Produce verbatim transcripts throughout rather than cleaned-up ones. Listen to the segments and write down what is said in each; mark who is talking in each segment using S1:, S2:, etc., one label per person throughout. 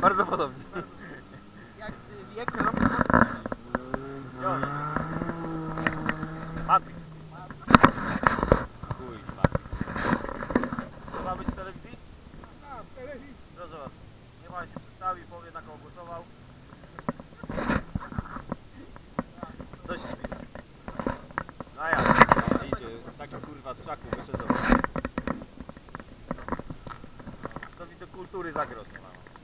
S1: Bardzo podobnie.
S2: Jak wiek robi
S1: Matrix. Chuj, Matrix. To ma być w telewizji?
S2: A, w telewizji.
S1: Proszę was. Nie ma się przedstawi, powie na kogo głosował. Co się dzieje? No ja. Idzie, taki kurwa z krzaku wyszedł. To widzę kultury zagrożenia.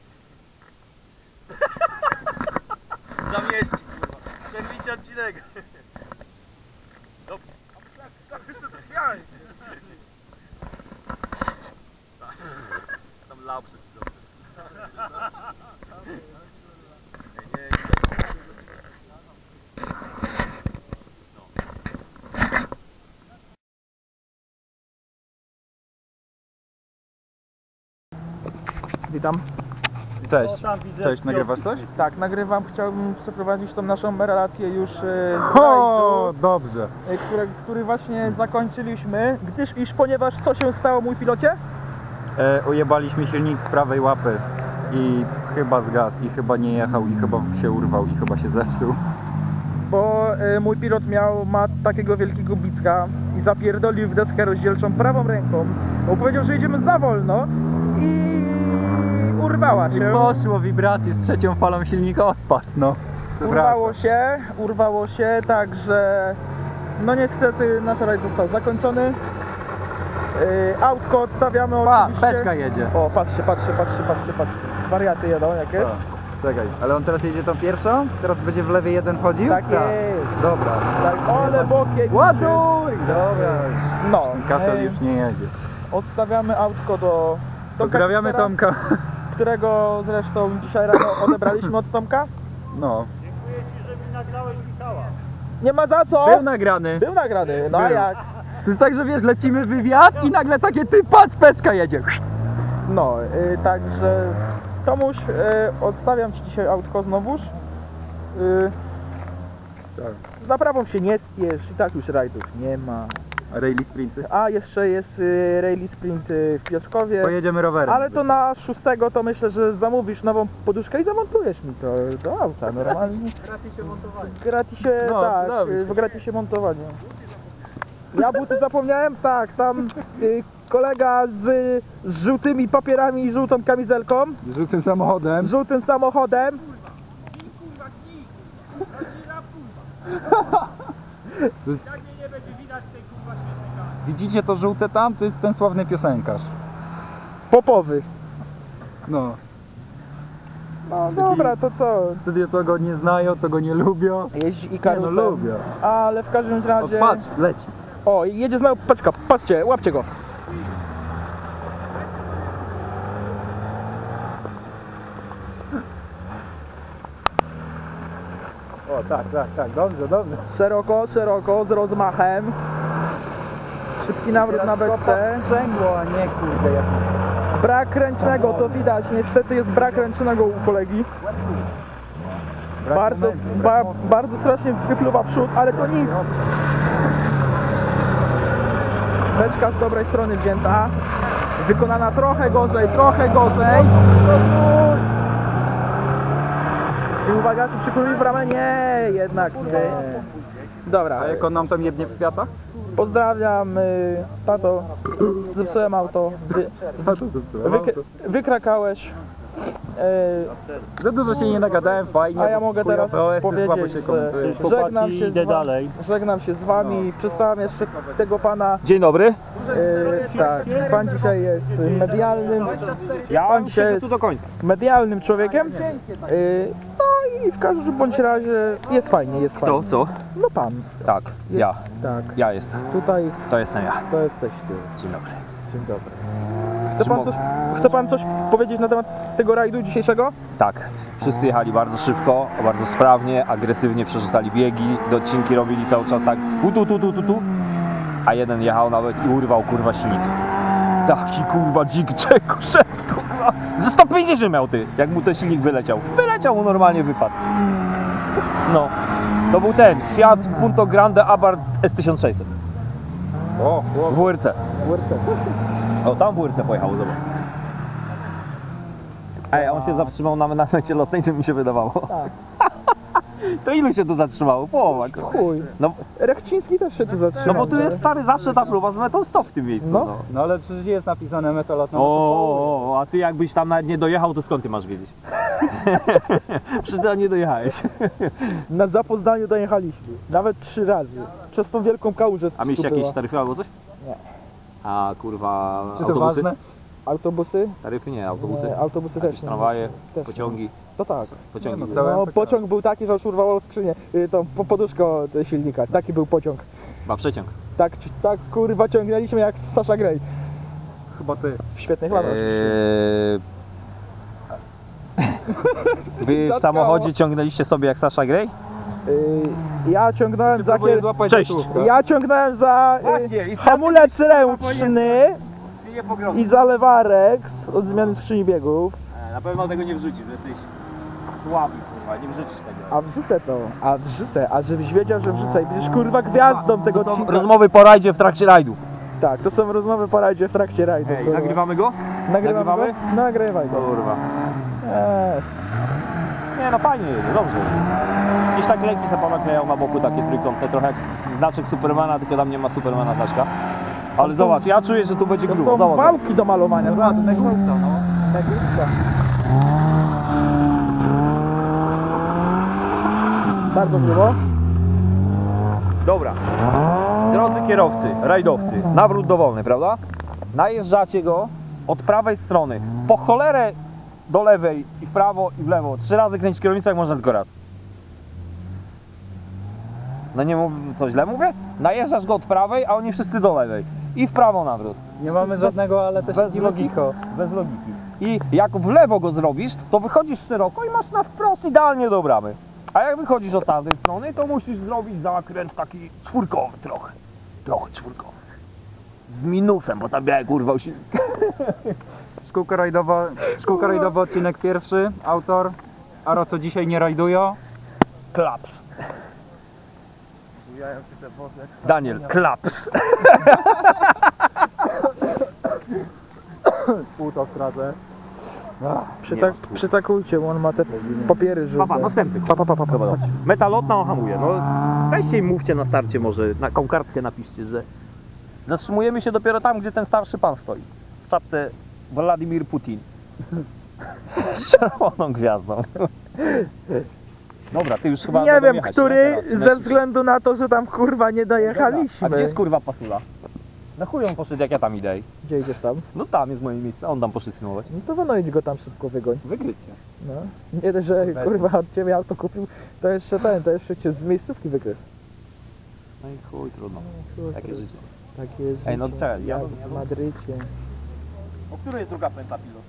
S1: Zamieszki, kurwa. Przerwijcie odcinek. Dobrze.
S2: Tak jeszcze to śmiałeś.
S1: Tam lał przed chwilą. Nie, nie,
S2: Witam.
S3: Cześć, cześć, nagrywasz coś?
S2: Tak, nagrywam. Chciałbym przeprowadzić tą naszą relację już e, z
S3: O,
S2: rajdu,
S3: dobrze.
S2: e, który, który właśnie zakończyliśmy, gdyż iż ponieważ co się stało, mój pilocie?
S3: E, ujebaliśmy silnik z prawej łapy i chyba zgasł i chyba nie jechał i chyba się urwał i chyba się zepsuł.
S2: Bo e, mój pilot miał, ma takiego wielkiego bicka i zapierdolił w deskę rozdzielczą prawą ręką, bo powiedział, że jedziemy za wolno i urwała
S3: I
S2: się.
S3: poszło wibracje z trzecią falą silnika odpadł, no.
S2: Urwało się, urwało się, także no niestety nasz rajd został zakończony. Yy, autko odstawiamy
S3: Pa,
S2: oczywiście.
S3: beczka jedzie.
S2: O, patrzcie, patrzcie, patrzcie, patrzcie, patrzcie. Wariaty jedą jakie?
S3: O, czekaj, ale on teraz jedzie tą pierwszą? Teraz będzie w lewej jeden chodził?
S2: Tak jest.
S3: Dobra.
S2: Tak, ole bokiem.
S3: Ładuj! Dobra.
S2: No,
S3: Kasel
S2: yy,
S3: już nie jedzie.
S2: odstawiamy autko do
S3: Pozdrawiamy
S2: Kacpera,
S3: Tomka.
S2: którego zresztą dzisiaj rano odebraliśmy od Tomka.
S3: No.
S1: Dziękuję ci, że mi nagrałeś Michała.
S2: Nie ma za co!
S3: Był nagrany.
S2: Był nagrany, no a
S3: Był.
S2: jak?
S3: To jest tak, że wiesz, lecimy w wywiad i nagle takie ty patrz, beczka jedzie.
S2: No, yy, także Tomuś, yy, odstawiam ci dzisiaj autko znowuż. Yy,
S3: Tak.
S2: z naprawą się nie spiesz, i tak już rajdów nie ma.
S3: Rally sprinty.
S2: A jeszcze jest yy, Rally Sprint yy, w Piotrkowie.
S3: Pojedziemy rowerem.
S2: Ale to na szóstego to myślę, że zamówisz nową poduszkę i zamontujesz mi to do auta normalnie.
S1: Gratisie montowanie.
S2: Gratisie,
S3: No,
S2: tak,
S3: dobrze.
S2: yy, w gratisie montowanie. Ja buty zapomniałem, tak, tam yy, kolega z, z żółtymi papierami i żółtą kamizelką,
S3: Z żółtym samochodem.
S2: z żółtym samochodem.
S3: To jest... Widzicie to żółte tam? To jest ten sławny piosenkarz.
S2: Popowy.
S3: No.
S2: No dobra, to co?
S3: Wtedy to go nie znają, to go nie lubią.
S2: Jeździ i
S3: Nie,
S2: karusem.
S3: no lubią.
S2: Ale w każdym
S3: O,
S2: razie...
S3: patrz, leci.
S2: O, jedzie znowu, paczka, patrzcie, łapcie go.
S3: O, tak, tak, tak, dobrze, dobrze.
S2: Szeroko, szeroko, z rozmachem. Szybki nawrót na beczce.
S3: Sprzęgło, a nie kurde jak...
S2: Brak ręcznego, to widać, niestety jest brak ręcznego u kolegi.
S3: Brak
S2: Bardzo,
S3: momentu, brak
S2: ba,
S3: mocy.
S2: bardzo strasznie wypluwa przód, ale to nic. Beczka z dobrej strony wzięta. Wykonana trochę gorzej, trochę gorzej. I uwaga, czy przykrój w ramę? Nie, jednak nie. Dobra,
S3: A jak on nam tam jednie w kwiatach?
S2: pozdrawiam, y, tato, zepsułem auto, wy,
S3: No to zepsułem
S2: wyk,
S3: auto.
S2: wykrakałeś. Y,
S3: Za dużo się nie nagadałem, fajnie.
S2: A ja
S3: bo
S2: mogę
S3: chujowe
S2: teraz
S3: O S-y
S2: powiedzieć,
S3: słabo się
S2: że
S3: komentuje.
S2: żegnam się, z wami, żegnam się z wami, przedstawiam jeszcze tego pana,
S1: Dzień dobry.
S2: e, tak, pan dzisiaj jest medialnym,
S1: Ja
S2: Pan dzisiaj jest
S1: tu do końca.
S2: medialnym człowiekiem, e, no i w każdym bądź razie jest fajnie, jest fajnie.
S1: To co?
S2: No pan,
S1: Tak,
S2: jest,
S1: ja.
S2: tak,
S1: Ja jestem.
S2: tutaj
S1: To jestem ja.
S2: to jesteś ty,
S1: Dzień dobry.
S2: dzień dobry. Chce pan coś, chce pan coś powiedzieć na temat tego rajdu dzisiejszego?
S4: Tak, wszyscy jechali bardzo szybko, bardzo sprawnie, agresywnie przerzucali biegi, docinki robili cały czas tak tu, tu, tu, tu, tu, tu, a jeden jechał nawet i urwał kurwa silnik. Taki kurwa dzik czego szedł, kurwa, ze sto pięćdziesiąt miał ty, jak mu ten silnik wyleciał. Wyleciał mu normalnie, wypadł. No, to był ten Fiat Punto Grande Abarth S tysiąc sześćset
S3: O,
S4: w W R C.
S2: W R C.
S4: O, tam w W R C pojechał, zobacz. Ej, a on się zatrzymał na namiocie lotnej, czy mi się wydawało?
S2: Tak.
S4: To ilu się tu zatrzymało? Połowa. kurwa.
S2: Chuj.
S4: No,
S2: Rechciński też się tu
S4: no
S2: zatrzymał.
S4: bo tu jest stary zawsze ta próba z metą sto w tym miejscu.
S2: No.
S4: No.
S3: No ale przecież jest napisane metalotną.
S4: O, o, o, a ty jakbyś tam nawet nie dojechał, to skąd ty masz wiedzieć? Przecież ty nie dojechałeś.
S2: Na Zapoznaniu dojechaliśmy. Nawet trzy razy. Przez tą wielką kałużę.
S4: A mieliście
S2: tu była.
S4: jakieś taryfy albo coś?
S2: Nie.
S4: A kurwa,
S3: Czy to
S4: autobusy?
S3: ważne?
S2: Autobusy?
S4: Taryfy nie, autobusy.
S2: Nie, autobusy
S4: Jakieś
S2: też nie.
S4: tramwaje,
S2: Też
S4: pociągi,
S2: To tak.
S4: pociągi.
S3: Nie, no,
S4: były.
S3: całe-
S2: No,
S3: pociąg.
S2: pociąg był taki, że aż urwało skrzynię. Y, Tą po- poduszkę od silnika. Taki był pociąg.
S4: Chyba przeciąg.
S2: Tak, tak kurwa ciągnęliśmy jak Sasha Grey.
S3: Chyba ty.
S2: W świetnych latach.
S4: Eee... Wy w
S2: Zatkało.
S4: samochodzie ciągnęliście sobie jak Sasha Grey?
S2: Y, Ja ciągnąłem za
S3: Próbuję
S2: kier...
S3: złapać
S4: Cześć.
S3: gotówkę.
S2: Ja ciągnąłem za
S4: Właśnie,
S2: y,
S4: i
S2: hamulec ręczny
S4: Czy nie pogrożę?
S2: i za lewarek od zmiany skrzyni biegów.
S4: Na pewno tego nie wrzucisz, że jesteś słaby, kurwa, nie wrzucisz tego.
S2: A wrzucę to, a wrzucę, a żebyś wiedział, że wrzucę i będziesz kurwa gwiazdą tego
S4: To są
S2: odcinka.
S4: rozmowy po rajdzie w trakcie rajdu.
S2: Tak, to są rozmowy po rajdzie w trakcie rajdu.
S4: Ej,
S2: kurwa.
S4: nagrywamy go?
S2: Nagrywamy
S4: nagrywamy?
S2: go? Nagrywaj go.
S4: Kurwa.
S2: Eee,
S4: Nie no fajnie jedzie, dobrze. Gdzieś tak lejki sobie ponakleją na boku takie trójkątne, trochę jak znaczek Supermana, tylko tam nie ma Supermana znaczka. Ale zobacz, ja czuję, że tu będzie
S2: to
S4: grubo,
S2: są
S4: zobacz.
S2: wałki do malowania. Zobacz,
S3: na gusto, no.
S2: na gusto. Bardzo grubo.
S4: Dobra. Drodzy kierowcy, rajdowcy, nawrót dowolny, prawda? Najeżdżacie go od prawej strony, po cholerę do lewej i w prawo i w lewo. Trzy razy kręcić kierownicą, jak można tylko raz. No nie mów, co źle mówię? Najeżdżasz go od prawej, a oni wszyscy do lewej. I w prawo nawrót.
S3: Nie mamy żadnego, ale też
S4: Bez
S3: nie
S4: logiki.
S3: logiko.
S4: Bez logiki. I jak w lewo go zrobisz, to wychodzisz szeroko i masz na wprost idealnie do bramy. A jak wychodzisz od tamtej strony, to musisz zrobić zakręt taki czwórkowy trochę. Trochę czwórkowy. Z minusem, bo tam białe kurwa usi...
S3: Szkółka rajdowa, szkółka rajdowa odcinek pierwszy, autor. Aro co dzisiaj nie rajdują.
S4: Klaps. Daniel, klaps.
S2: Pół to stracę. Przytak, przytakujcie, bo on ma te papiery żółte.
S4: Papa, następny.
S2: Pa, pa, pa, pa, pa.
S4: Dobra, dobra. Metalotna on hamuje. No weźcie i mówcie na starcie może, na tą kartkę napiszcie, że zatrzymujemy się dopiero tam, gdzie ten starszy pan stoi. W czapce Władimir Putin. Z czerwoną gwiazdą. Dobra, ty już chyba
S2: Nie
S4: będą
S2: wiem,
S4: jechać,
S2: który,
S4: nie? Teraz,
S2: ze
S4: lecisz.
S2: względu na to, że tam kurwa nie dojechaliśmy.
S4: A gdzie jest kurwa pasula? Na chuj on poszedł, jak ja tam idę.
S2: Gdzie idziesz tam?
S4: No tam jest moje miejsce, on tam poszedł filmować.
S2: No to wynojdź go tam szybko, wygoń.
S3: Wykrycie.
S2: No. Nie dość, że kurwa od ciebie auto kupił, to jeszcze ten, to jeszcze cię z miejscówki wykrył.
S4: No i chuj, trudno. Takie życie.
S2: Takie życie.
S4: Ej, no czekaj, ja-
S2: jak
S4: ja-
S2: w Madrycie.
S4: O której jest druga pęta pilot?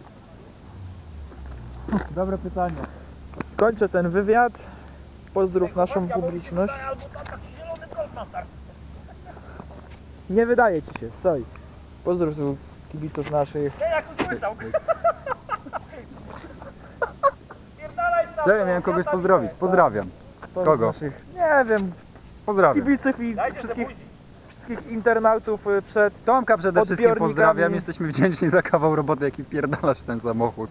S3: Dobre pytanie.
S2: Kończę ten wywiad. Pozdrów naszą publiczność. Nie wydaje ci się, stoi. Pozdrów tu kibiców naszych.
S3: Ja miałem kogoś pozdrowić. Pozdrawiam.
S2: pozdrów
S3: Kogo?
S2: Naszych, nie wiem,
S3: Pozdrawiam.
S2: kibiców i wszystkich, wszystkich internautów y, przed.
S3: Tomka przede wszystkim
S2: Odbiornikami.
S3: pozdrawiam. Jesteśmy wdzięczni za kawał roboty, jaki pierdalasz w ten samochód.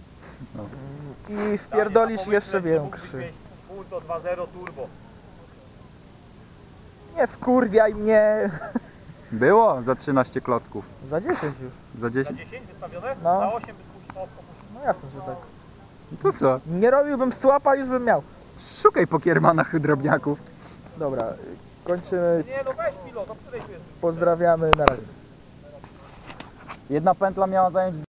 S2: I wpierdolisz jeszcze większy.
S1: Punto dwa zero turbo.
S2: Nie wkurwiaj mnie.
S3: Było za trzynaście klocków.
S2: Za dziesięć już.
S3: Za dziesięć.
S1: dziesięć wystawione?
S2: No.
S1: Za osiem by spuściło.
S2: No jasne, że tak.
S3: To co?
S2: Nie robiłbym słapa, już bym miał.
S3: Szukaj po kiermanach drobniaków.
S2: Dobra, y, kończymy.
S1: Nie no weź pilot, o której tu jest?
S2: Pozdrawiamy, na razie.
S3: Jedna pętla miała zająć